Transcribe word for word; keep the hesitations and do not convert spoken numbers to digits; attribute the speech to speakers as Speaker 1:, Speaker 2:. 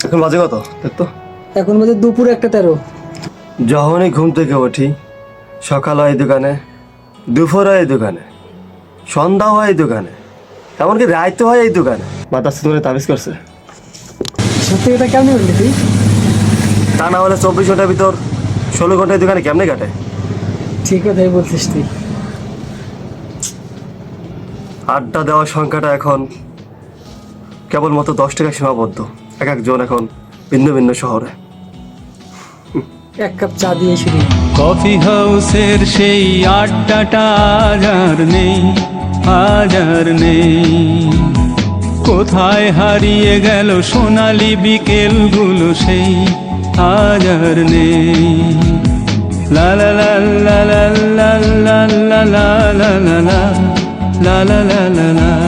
Speaker 1: এখন বাজে কত দেখতো?
Speaker 2: এখন বাজে দুপুর একটা তেরো।
Speaker 1: যখনই ঘুম থেকে উঠি, সকাল হয় এই দোকানে, দুপুর হয় এই দোকানে, সন্ধ্যা হয় এই দোকানে, এমনকি রাত হয় এই দোকানে। মাতার সিঁদুরে তাবিজ করছে।
Speaker 2: সত্যি কথা কেমনি বললি তুই?
Speaker 1: তা না হলে চব্বিশ ঘন্টার ভিতর ষোলো ঘন্টা এই দোকানে কেমনে কাটে?
Speaker 2: ঠিক কথাই বলছিস তুই।
Speaker 1: আড্ডা দেওয়ার সংখ্যাটা এখন কেবলমাত্র দশ টাকা সীমাবদ্ধ, এক একজন এখন ভিন্ন ভিন্ন শহরে।
Speaker 2: এক কাপ চা দিয়ে শুরু।
Speaker 3: কফি হাউসের সেই আড্ডাটা আজ আর নেই, আজ আর নেই। কোথায় হারিয়ে গেল সোনালি বিকেলগুলো সেই, আজ আর নেই। লা লা লা লা লা লা লা লা লা লা লা লা লা লা লা লা।